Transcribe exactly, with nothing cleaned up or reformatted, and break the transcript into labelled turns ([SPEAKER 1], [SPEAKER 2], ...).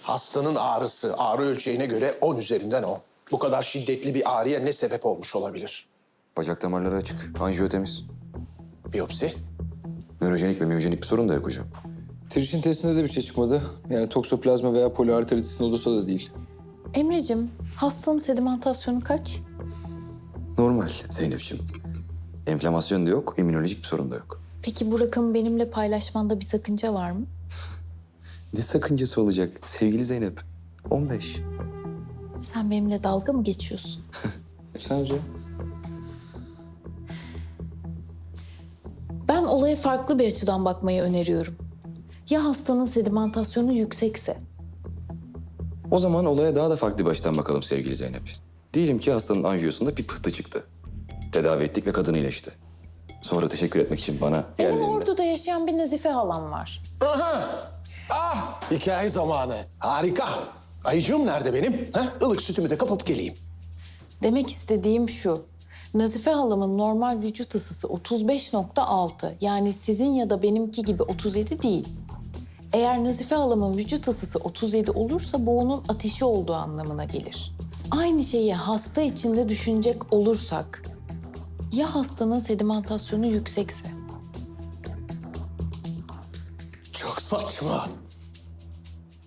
[SPEAKER 1] Hastanın ağrısı ağrı ölçeğine göre on üzerinden on. Bu kadar şiddetli bir ağrıya ne sebep olmuş olabilir?
[SPEAKER 2] Bacak damarları açık. Anjiyo temiz.
[SPEAKER 1] Biyopsi?
[SPEAKER 2] Nörojenik ve miyojenik bir sorun da yok hocam.
[SPEAKER 3] Trişin testinde de bir şey çıkmadı. Yani toksoplazma veya poliarteritis nodosa da değil.
[SPEAKER 4] Emre'cim, hastanın sedimentasyonu kaç?
[SPEAKER 2] Normal Zeynep'ciğim. Enflamasyon da yok, immünolojik bir sorun da yok.
[SPEAKER 4] Peki bu rakamı benimle paylaşmanda bir sakınca var mı?
[SPEAKER 2] Ne sakıncası olacak sevgili Zeynep? on beş.
[SPEAKER 4] Sen benimle dalga mı geçiyorsun?
[SPEAKER 3] Sence?
[SPEAKER 4] Ben olaya farklı bir açıdan bakmayı öneriyorum. Ya hastanın sedimentasyonu yüksekse?
[SPEAKER 2] O zaman olaya daha da farklı bir açıdan bakalım sevgili Zeynep. Diyelim ki hastanın anjiyosunda bir pıhtı çıktı. Tedavi ettik ve kadın iyileşti. Sonra teşekkür etmek için bana yer
[SPEAKER 4] Benim
[SPEAKER 2] verildi.
[SPEAKER 4] Ordu'da yaşayan bir Nazife halam var.
[SPEAKER 1] Ah, hikaye zamanı. Harika. Ayıcığım nerede benim? Ha? Ilık sütümü de kapıp geleyim.
[SPEAKER 4] Demek istediğim şu. Nazife halamın normal vücut ısısı otuz beş nokta altı. Yani sizin ya da benimki gibi otuz yedi değil. Eğer Nazife halamın vücut ısısı otuz yedi olursa bu onun ateşi olduğu anlamına gelir. Aynı şeyi hasta içinde düşünecek olursak, ya hastanın sedimentasyonu yüksekse?
[SPEAKER 1] Çok saçma.